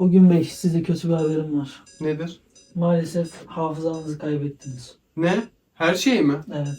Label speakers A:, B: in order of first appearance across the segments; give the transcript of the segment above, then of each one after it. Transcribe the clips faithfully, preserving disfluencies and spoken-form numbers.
A: O gün Bey, size kötü bir haberim var.
B: Nedir?
A: Maalesef hafızanızı kaybettiniz.
B: Ne? Her şey mi?
A: Evet.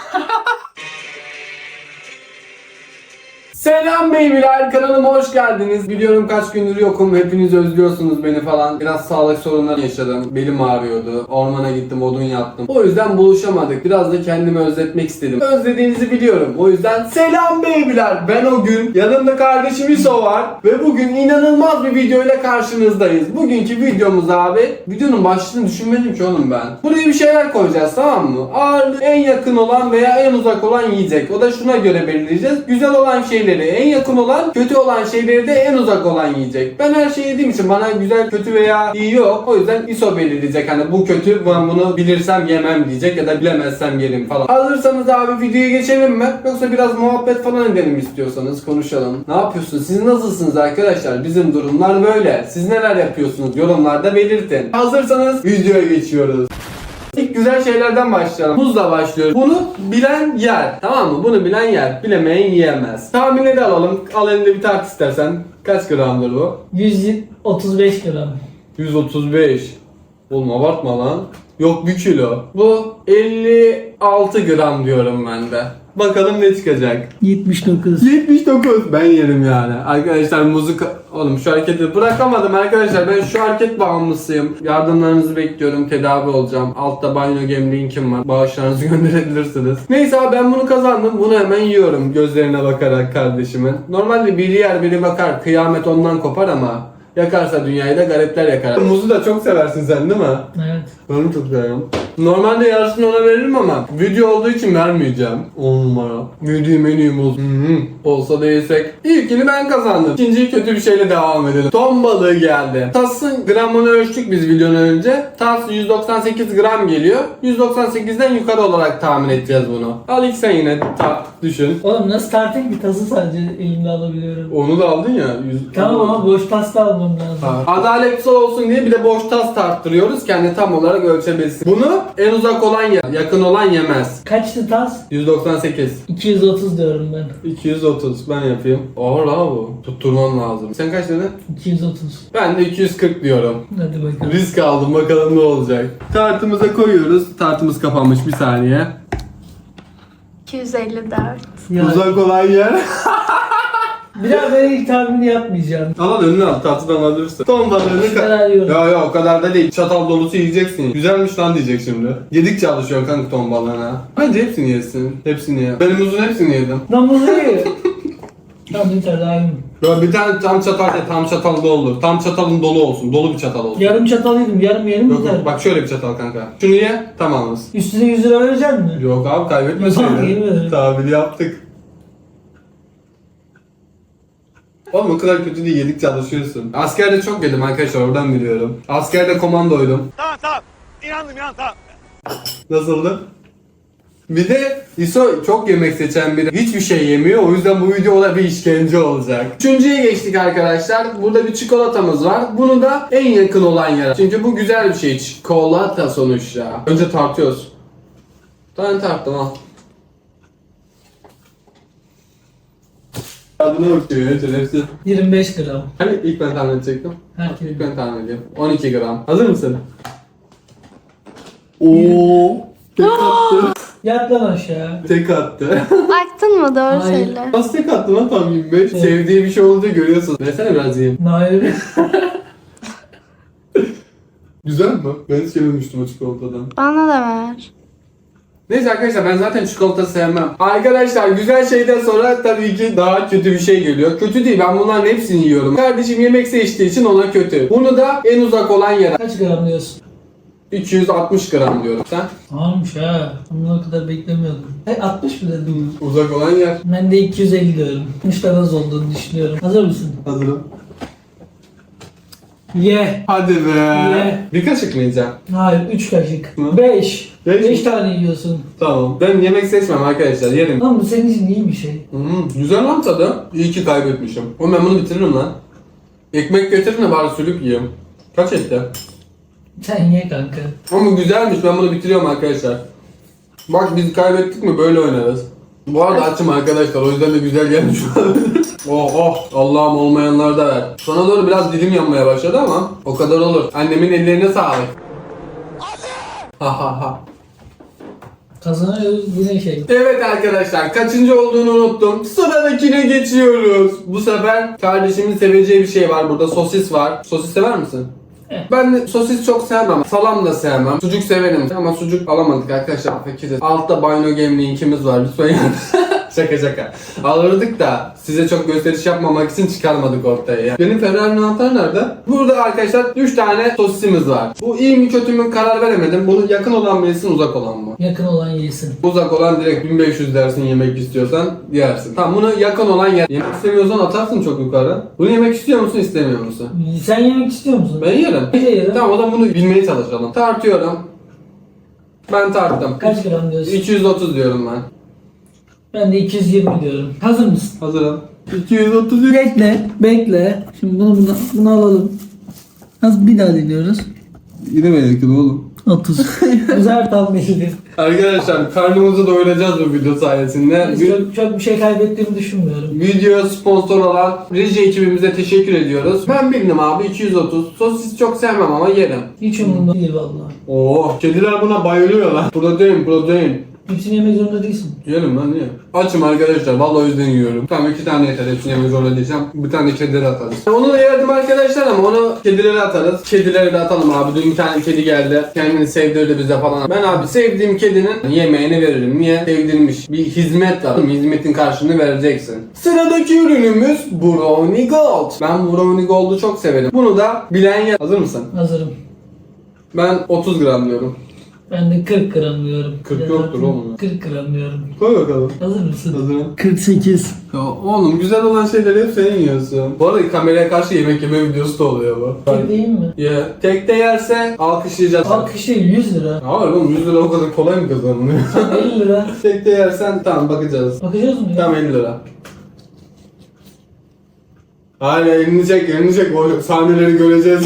B: Selam beybiler, kanalıma hoş geldiniz. Biliyorum kaç gündür yokum, hepiniz özlüyorsunuz beni falan. Biraz sağlık sorunları yaşadım, belim ağrıyordu. Ormana gittim, odun yaptım. O yüzden buluşamadık, biraz da kendimi özletmek istedim. Özlediğinizi biliyorum, o yüzden selam beybiler. Ben o gün, yanımda kardeşim İso var. Ve bugün inanılmaz bir video ile karşınızdayız. Bugünkü videomuz abi, videonun başlığını düşünmedim ki oğlum ben. Buraya bir şeyler koyacağız, tamam mı? Ağırlığı en yakın olan veya en uzak olan yiyecek. O da şuna göre belirleyeceğiz. Güzel olan şeyleri en yakın olan, kötü olan şeyleri de en uzak olan yiyecek. Ben her şeyi yediğim için bana güzel, kötü veya iyi yok. O yüzden İso belirleyecek. Hani bu kötü, ben bunu bilirsem yemem diyecek ya da bilemezsem yerim falan. Hazırsanız abi videoya geçelim mi? Yoksa biraz muhabbet falan edelim istiyorsanız, konuşalım. Ne yapıyorsunuz? Siz nasılsınız arkadaşlar? Bizim durumlar böyle. Siz neler yapıyorsunuz? Yorumlarda belirtin. Hazırsanız videoya geçiyoruz. İlk güzel şeylerden başlayalım. Muzla başlıyoruz. Bunu bilen yer. Tamam mı? Bunu bilen yer. Bilemeyen yiyemez. Tahminleri alalım. Al elinde bir tart istersen. Kaç gramdır bu?
A: yüz otuz beş gram.
B: yüz otuz beş. Oğlum abartma lan. Yok bir kilo. Bu elli altı gram diyorum ben de. Bakalım ne çıkacak.
A: yetmiş dokuz.
B: yetmiş dokuz. Ben yerim yani. Arkadaşlar muzu... Oğlum şu hareketi bırakamadım arkadaşlar. Ben şu hareket bağımlısıyım. Yardımlarınızı bekliyorum. Tedavi olacağım. Altta banyo gem linkim var. Bağışlarınızı gönderebilirsiniz. Neyse abi ben bunu kazandım. Bunu hemen yiyorum. Gözlerine bakarak kardeşimin. Normalde biri yer biri bakar. Kıyamet ondan kopar ama yakarsa dünyayı da garipler yakar. Muzu da çok seversin sen değil mi?
A: Evet.
B: Ben çok seviyorum. Normalde yarısını ona veririm ama video olduğu için vermeyeceğim. on numara. Yediğim en iyi muz. Hı-hı. Olsa da yesek. İlkini ben kazandım. İkinciyi kötü bir şeyle devam edelim. Ton balığı geldi. Tasın gramını ölçtük biz videonun önce. Tas yüz doksan sekiz gram geliyor. yüz doksan sekizden yukarı olarak tahmin edeceğiz bunu. Al ilk sen yine tart düşün.
A: Oğlum nasıl tartayım ki, tası sadece elimde alabiliyorum.
B: Onu da aldın ya. yüz...
A: Tamam ama boş tas da almam lazım.
B: Ha. Adaletsiz olsun diye bir de boş tas tarttırıyoruz. Kendi tam olarak ölçebilsin. Bunu en uzak olan yer, yakın olan yemez.
A: Kaçtı tas?
B: yüz doksan sekiz.
A: iki yüz otuz diyorum ben.
B: iki yüz otuz ben yapayım. Ağır la bu. Tutturman lazım. Sen kaç dedin?
A: iki yüz otuz.
B: Ben de iki yüz kırk diyorum.
A: Hadi bakalım.
B: Risk aldım, bakalım ne olacak. Tartımıza koyuyoruz. Tartımız kapanmış, bir saniye.
C: iki yüz elli dört.
A: Ya,
B: Uzak olan yer.
A: bir daha ben ilk tahmini yapmayacağım.
B: Al önüne al, tartıdan alabilirsin. Ton balığını
A: Şunları
B: ka-
A: alıyorum.
B: Ya ya o kadar da değil. Çatal dolusu yiyeceksin. Güzelmiş lan diyecek şimdi. Yedikçe alışıyor kanka ton balığına. Bence hepsini yesin. Hepsini ye. Benim uzun hepsini yedim.
A: Lan bunu ye. Tamam yeter daha iyi.
B: Ya bir tane tam çatal de tam çatal doldur. Tam çatalın dolu olsun. Dolu bir çatal olsun.
A: Yarım çatal yedim, yarım yerim
B: Yok,
A: yeter.
B: yok, bak şöyle bir çatal kanka. Şunu ye, tamamız.
A: Üstüne yüz lira verecek misin?
B: Yok abi
A: Yok,
B: kaybetmeseydin.
A: yemedim.
B: Tahmini yaptık. Oğlum o kadar kötü değil, yedikçe alışıyorsun. Askerde çok yedim arkadaşlar, oradan biliyorum. Askerde komandoydum.
D: Tamam tamam. İnandım inandım tamam.
B: Nasıldı? Bir de İso çok yemek seçen biri. Hiçbir şey yemiyor. O yüzden bu videoda bir işkence olacak. Üçüncüye geçtik arkadaşlar. Burada bir çikolatamız var. Bunu da en yakın olan yer. Çünkü bu güzel bir şey. Çikolata sonuçta. Önce tartıyoruz. Tane tarttım al. Adına bakıyor ya şerefsiz.
A: yirmi beş gram.
B: Hani ilk ben tahmin edecektim.
A: Herkes.
B: İlk ben tahmin edeyim. on iki gram. Hazır mısın? Oo. Tek attı.
A: Yat lan aşağı.
B: Tek attı.
C: Baktın mı doğru
A: Hayır.
C: söyle.
B: Nasıl tek attı lan tam yirmi beş?
A: Evet.
B: Sevdiği bir şey olduğu görüyorsun. Versene biraz yiyeyim.
A: Nail.
B: Güzel mi? Ben hiç yememiştim o çikolatadan.
C: Bana da ver.
B: Neyse arkadaşlar ben zaten çikolata sevmem. Arkadaşlar güzel şeyden sonra tabii ki daha kötü bir şey geliyor. Kötü değil, ben bunların hepsini yiyorum. Kardeşim yemek seçtiği için ona kötü. Bunu da en uzak olan yere.
A: Kaç gram diyorsun?
B: iki yüz altmış gram diyorum. Sen?
A: Tamammış ha. Bunu o kadar beklemiyordum. E altmış mı dedim?
B: Uzak olan yer.
A: Ben de iki yüz elli diyorum. altmış da az olduğunu düşünüyorum. Hazır mısın?
B: Hazırım.
A: Ye.
B: Hadi be.
A: Ye.
B: Bir kaşık mı yiyeceğim?
A: Hayır, üç kaşık.
B: Hı?
A: beş.
B: Beş
A: beş
B: mi?
A: tane yiyorsun.
B: Tamam. Ben yemek seçmem arkadaşlar. Yerim.
A: Lan bu senin için iyi bir şey.
B: Hmm, güzel lan tadı. İyi ki kaybetmişim. Oğlum ben bunu bitiririm lan. Ekmek getirin de bari sülük yiyeyim. Kaç etti?
A: Sen ye kanka.
B: Ama güzelmiş, ben bunu bitiriyorum arkadaşlar. Bak biz kaybettik mi böyle oynarız. Bu arada açım arkadaşlar, o yüzden de güzel gelmiş. Oh oh Allah'ım olmayanlar da ver. Sana doğru biraz dilim yanmaya başladı ama o kadar olur. Annemin ellerine sağlık. Ha ha ha.
A: Kazanıyoruz yine şey.
B: Evet arkadaşlar kaçıncı olduğunu unuttum. Sıradakine geçiyoruz. Bu sefer kardeşimin seveceği bir şey var burada. Sosis var. Sosis sever misin?
A: Evet.
B: Ben de sosis çok sevmem. Salam da sevmem. Sucuk severim ama sucuk alamadık arkadaşlar. Fakiriz. Altta Bino Game linkimiz var. Lütfen yani. Şaka şaka. Alırdık da size çok gösteriş yapmamak için çıkarmadık ortaya ya. Benim Ferrari'nin anahtarı nerede? Burada arkadaşlar üç tane sosisimiz var. Bu iyi mi kötü mü karar veremedim. Bunu yakın olan mı yesin uzak olan mı?
A: Yakın olan yesin.
B: Uzak olan direkt bin beş yüz dersin yemek istiyorsan yersin. Tamam bunu yakın olan yer. Yemek istemiyorsan atarsın çok yukarı. Bunu yemek istiyor musun istemiyor musun?
A: Sen yemek istiyor musun?
B: Ben yerim.
A: Ben de yerim.
B: Tamam o zaman bunu bilmeye çalışalım. Tartıyorum. Ben tarttım.
A: Kaç gram diyorsun?
B: iki yüz otuz diyorum ben.
A: Ben de iki yüz yirmi diyorum. Hazır mısın?
B: Hazırım. iki yüz otuz.
A: Bekle, bekle. Şimdi bunu bunu, bunu alalım. Az bir daha deniyoruz.
B: Yine mi yakın oğlum?
A: otuz. Güzel tam belli.
B: Arkadaşlar karnımızı doyuracağız bu video sayesinde. Bir-
A: Çok, çok bir şey kaybettiğimi düşünmüyorum.
B: Videoya sponsor olan reji ekibimize teşekkür ediyoruz. Ben bildim abi iki yüz otuz. Sosis çok sevmem ama yerim.
A: Hiç umurumda değil vallahi.
B: Oo, kediler buna bayılıyor lan. Protein, protein.
A: Hepsini yemek zorunda değilsin.
B: Yiyelim lan niye? Açım arkadaşlar vallahi o yüzden yiyorum. Tamam iki tane yeter hepsini yemek zorunda diyeceğim. Bir tane de kedilere atarız. Onu da yerdim arkadaşlar ama onu kedilere atarız. Kedilere de atalım abi. Dün bir tane kedi geldi. Kendini sevdirdi bize falan. Ben abi sevdiğim kedinin yemeğini veririm. Niye? Sevdirmiş. Bir hizmet var. Hizmetin karşılığını vereceksin. Sıradaki ürünümüz Brownie Gold. Ben Brownie Gold'u çok severim. Bunu da bilen yer. Hazır mısın?
A: Hazırım.
B: Ben otuz gram diyorum.
A: Ben de kırk gram diyorum.
B: kırk yoktur oğlum.
A: kırk gram diyorum.
B: Koy bakalım.
A: Hazır mısın?
B: Hazırım.
A: kırk sekiz.
B: Ya oğlum güzel olan şeyleri hep sen yiyorsun. Bu arada kameraya karşı yemek yeme videosu da oluyor bu.
A: Tek değil mi?
B: Ye. Tekte yerse alkışlayacağız.
A: Alkış değil yüz lira.
B: Hayır oğlum yüz lira o kadar kolay mı kazanılıyor?
A: elli lira.
B: Tekte yersen tamam bakacağız.
A: Bakacağız mı ya?
B: Tamam elli lira. Hayır elini çek elini çek o sahneleri göreceğiz.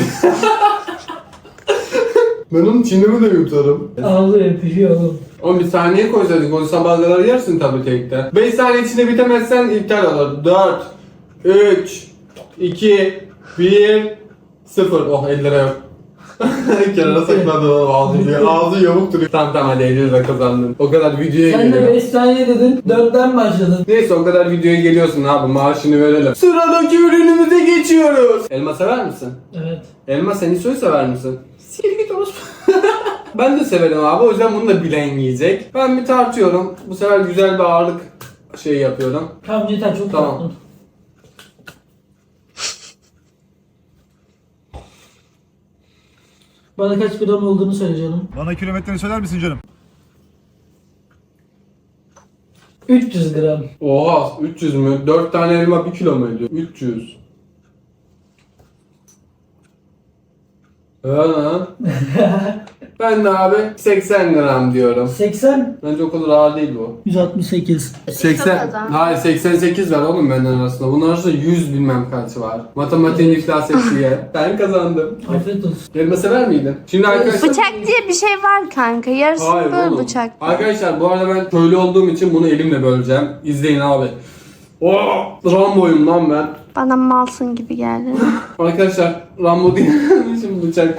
B: Ben onun çiğnemi de yutarım.
A: Ağlıyor pişiyor oğlum.
B: Oğlum bir saniye koysaydık onu sabaha kadar yersin tabii tekte. beş saniye içinde bitemezsen iptal olur. dört, üç, iki, bir, sıfır. Oh elli lira yok. Kenara sakladı oğlum ağzı diye. Ağzı yamuk duruyor. Tamam tamam hadi elli lira kazandın. O kadar videoya
A: Sen de
B: geliyor.
A: beş saniye dedin, dörtten başladın.
B: Neyse o kadar videoya geliyorsun abi maaşını verelim. Sıradaki ürünümüze geçiyoruz. Elma sever misin?
A: Evet.
B: Elma sen isoyu sever misin? Sikir git orospu. Ben de severim abi o yüzden bunu da bilen yiyecek. Ben bir tartıyorum. Bu sefer güzel bir ağırlık şey yapıyorum.
A: Tamam yeter çok
B: Tamam.
A: tatlım. Bana kaç gram olduğunu söyle canım.
D: Bana kilometreyi söyler misin canım?
A: üç yüz gram.
B: Oha üç yüz mü? dört tane elma bir kilo mu ediyor? üç yüz. Ha. Ben de abi seksen gram diyorum.
A: seksen.
B: Bence o kadar ağır değil bu.
A: yüz altmış sekiz.
B: seksen. Hayır seksen sekiz var oğlum benden arasında. Bunun arasında yüz bilmem kaç var. Matematiğin iflas ettiği. Ben kazandım.
A: Afiyet olsun.
B: Elma sever miydin? Şimdi arkadaşlar...
C: Bıçak diye bir şey var kanka. Yarısı
B: Hayır
C: böyle
B: oğlum.
C: bıçak.
B: Arkadaşlar bu arada ben köylü olduğum için bunu elimle böleceğim. İzleyin abi. Oh, Rambo'yum lan ben.
C: Bana malsın gibi geldi.
B: Arkadaşlar Rambo değil. Şimdi bıçak.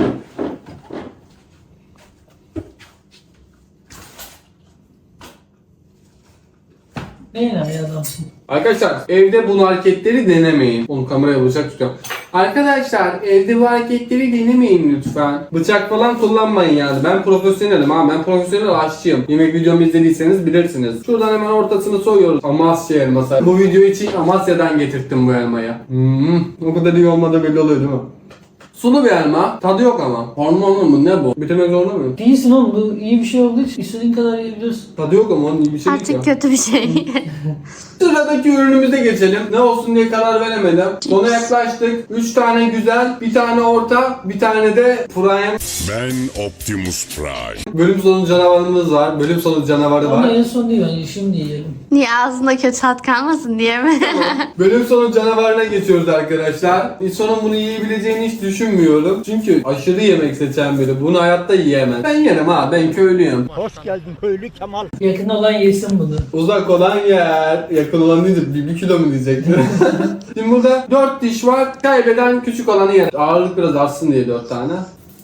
A: Neyin abi adamsın?
B: Arkadaşlar evde bu hareketleri denemeyin. Onu kameraya bıçak tutuyorum. Arkadaşlar evde bu hareketleri denemeyin lütfen. Bıçak falan kullanmayın yani. Ben profesyonelim ha. Ben profesyonel aşçıyım. Yemek videomu izlediyseniz bilirsiniz. Şuradan hemen ortasını soyuyoruz. Amasya elması. Bu video için Amasya'dan getirttim bu elmayı. Hmm, o kadar iyi olmadı belli oluyor değil mi? Sulu bir elma. Tadı yok ama. Hormonlu mu ne bu? Bitirmek zorunda mıyım?
A: Değilsin oğlum bu iyi bir şey olduğu için istediğin kadar yiyebilirsin.
B: Tadı yok ama onun iyi bir şey değil
C: Artık
B: ya.
C: kötü bir şey.
B: Sıradaki ürünümüze geçelim. Ne olsun diye karar veremedim. Sona yaklaştık. üç tane güzel, bir tane orta, bir tane de prime.
E: Ben Optimus Prime.
B: Bölüm sonu canavarımız var. Bölüm sonu canavarı
A: Ama
B: var.
A: en son değil bence şimdi yiyelim.
C: Niye ağzında kötü tat kalmasın diye mi?
B: Bölüm sonu canavarına geçiyoruz arkadaşlar. İnsanın bunu yiyebileceğini hiç düşünmüyorum. düşünmüyorum. Çünkü aşırı yemek seçen biri. Bunu hayatta yiyemez. Ben yerim ha. Ben köylüyüm.
D: Hoş geldin köylü Kemal.
A: Yakın olan yesin bunu.
B: Uzak olan yer. Yakın olan deyince bir, bir kilo mu diyecektim. Şimdi burada dört diş var. Kaybeden küçük olanı yer. Ağırlık biraz artsın diye dört tane.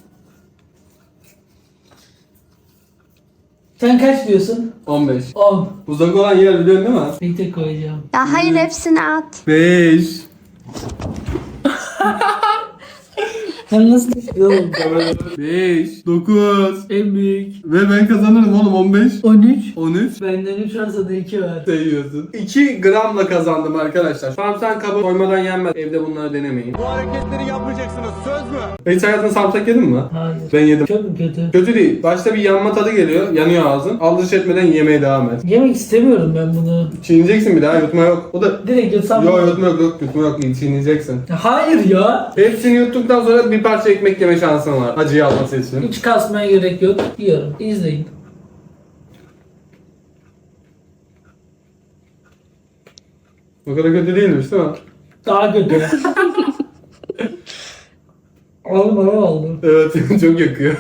A: Sen kaç diyorsun?
B: on beş.
A: on.
B: Uzak olan yer biliyorsun değil mi?
A: Bir tek koyacağım.
C: Ya hayır hepsini at.
B: beş.
A: Sen nasıl düşünüyorsun?
B: beş. dokuz.
A: En büyük.
B: Ve ben kazanırım oğlum on beş.
A: on üç.
B: on üç.
A: Benden üç varsa da iki var.
B: Seviyorsun. iki gramla kazandım arkadaşlar. Sarımsak kabı koymadan yenmez. Evde bunları denemeyin.
D: Bu hareketleri yapmayacaksınız söz mü?
B: Hiç hayatında sarımsak yedin mi?
A: Hayır.
B: Ben yedim.
A: Çok mu kötü?
B: Kötü değil. Başta bir yanma tadı geliyor. Yanıyor ağzın. Aldırış etmeden yemeye devam et.
A: Yemek istemiyorum ben bunu.
B: Çiğneyeceksin bir daha. Yutma yok. O da...
A: Direkt yutsam.
B: Yok yutma yok. Yok yutma yok. Çiğneyeceksin.
A: Hayır ya.
B: Hepsini yuttuktan sonra bir parça ekmek yeme şansın var. Acıyı alması için.
A: Hiç kasmaya gerek yok. Yiyorum. İzleyin.
B: O kadar kötü değilmiş değil mi?
A: Daha kötü. Oğlum bana oldu.
B: Evet çok yakıyor.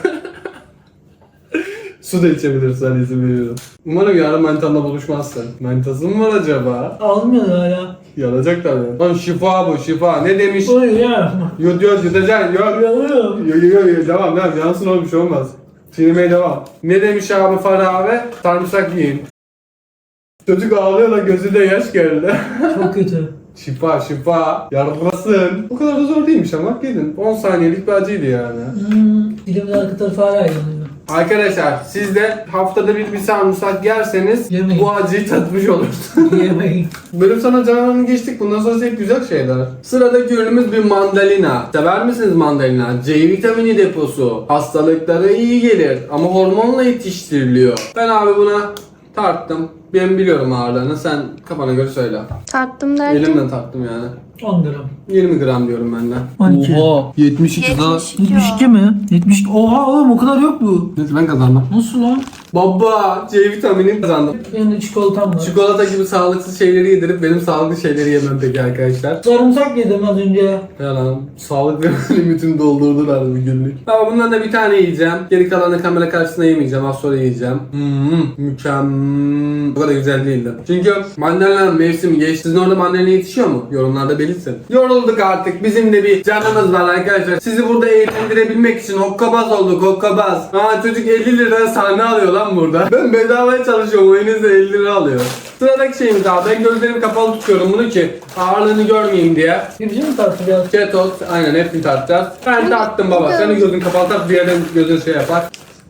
B: Su da içebilirsen izin veriyorum. Umarım yarın mantanla buluşmazsın. Mantası mı var acaba?
A: Almıyor hala.
B: Yanacak tabii. Lan şifa bu şifa. Ne demiş?
A: Oy ya.
B: Yut yut yutacaksın yut.
A: Yanıyorum.
B: Yo yo yo yo devam devam. Yansın oğlum bir şey olmaz. Çiğnemeye devam. Ne demiş abi Farah abi? Sarımsak yiyin. Çocuk ağlıyor da gözünde yaş geldi.
A: Çok kötü.
B: Şifa şifa. Yarlasın. O kadar da zor değilmiş ama yedin. on saniyelik bir acıydı yani.
A: Hmm. Dilimin arka tarafı hala yanıyor.
B: Arkadaşlar siz de haftada bir bir sarımsak yerseniz
A: Yemeyin.
B: bu acıyı tatmış olursunuz.
A: Yemeyin.
B: Bölüm sana canını geçtik. Bundan sonra hep güzel şeyler. Sıradaki ürünümüz bir mandalina. Sever misiniz mandalina? C vitamini deposu. Hastalıklara iyi gelir ama hormonla yetiştiriliyor. Ben abi buna tarttım. Ben biliyorum ağırlığını. Sen kafana göre söyle.
C: Tarttım derken.
B: Elimden tarttım yani.
A: on gram.
B: yirmi gram diyorum ben de.
A: on iki.
B: Oha. yetmiş iki daha.
C: yetmiş iki
A: yetmiş iki mi? yetmiş iki. Oha oğlum o kadar yok bu.
B: Neyse ben kazandım.
A: Nasıl lan?
B: Baba C vitamini kazandım.
A: Benim de çikolatam var.
B: Çikolata gibi sağlıksız şeyleri yedirip benim sağlıklı şeyleri yemem peki arkadaşlar.
A: Sarımsak yedim az önce.
B: Yalan. Sağlık ve limitini doldurdular bir günlük. Ama bundan da bir tane yiyeceğim. Geri kalanı kamera karşısında yemeyeceğim. Az sonra yiyeceğim. Hmm, mükemmel. Bu kadar güzel değildi. Çünkü mandalina mevsimi geçti. Sizin orada mandalina yetişiyor mu? Yorumlarda belirtin. Yorulduk artık. Bizim de bir canımız var arkadaşlar. Sizi burada eğlendirebilmek için hokkabaz olduk. Hokkabaz. Aa çocuk elli lira sahne alıyor lan burada. Ben bedavaya çalışıyorum. O elinizde elli lira alıyor. Sıradaki şeyimiz abi. Ben gözlerimi kapalı tutuyorum bunu ki ağırlığını görmeyeyim diye.
A: Birbirine mi tartacağız?
B: Ketos, aynen hepsini tartacağız. Ben tarttım baba. Senin gözün kapalı tart, diğerinin gözün şey yapar.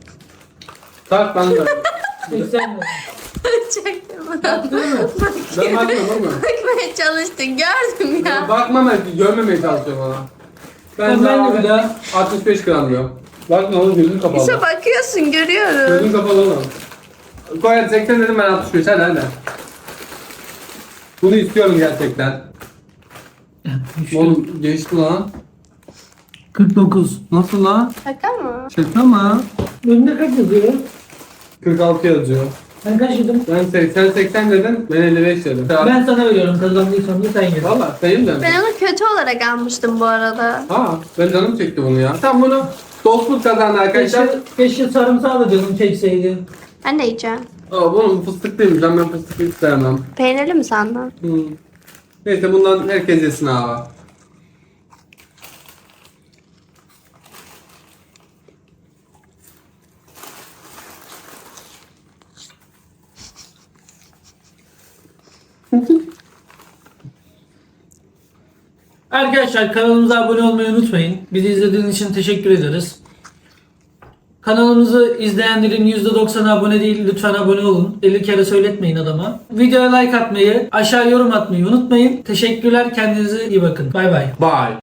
B: Tart ben de.
A: seksen mi?
C: Çektim bunu.
B: Ben bakmıyorum ama.
C: Bakmaya çalıştın gördüm ya.
B: Bakmam ben, görmemeye çalışıyorum ona. Ben,
A: Ben, ben de
B: sana
A: bir daha.
B: altmış beş gram diyorum. Bakma oğlum gözün kapalı.
C: İşte bakıyorsun görüyorum.
B: Gözün kapalı oğlum. Koy hadi seksen dedim ben altmış beş hadi hadi. Bunu istiyorum gerçekten. Oğlum geçti lan.
A: kırk dokuz.
B: Nasıl lan?
C: Şaka mı?
B: Şaka mı?
A: Önümde kaç yazıyor?
B: kırk altı yazıyor.
A: Ben kaç yedim?
B: Ben seksen seksen dedim, ben elli beş dedim.
A: Ben sana veriyorum. Kazandıysan da sen yedin.
B: Valla sayayım da.
C: Ben onu kötü olarak almıştım bu arada.
B: Aa, ben canım çekti bunu ya. Tam bunu dostluk kazandı arkadaşlar.
A: Keşke, keşke sarımsağı da canım çekseydi.
C: Ben de yiyeceğim.
B: Aa, bunun fıstık değilmiş lan, ben fıstık hiç sevmem.
C: Peynirli mi sandın?
B: Hmm. Neyse bundan herkes yesin abi.
A: Arkadaşlar kanalımıza abone olmayı unutmayın. Bizi izlediğiniz için teşekkür ederiz. Kanalımızı izleyenlerin yüzde doksanı abone değil. Lütfen abone olun. elli kere söyletmeyin adama. Videoya like atmayı, aşağı yorum atmayı unutmayın. Teşekkürler. Kendinize iyi bakın. Bay bay.
B: Bye.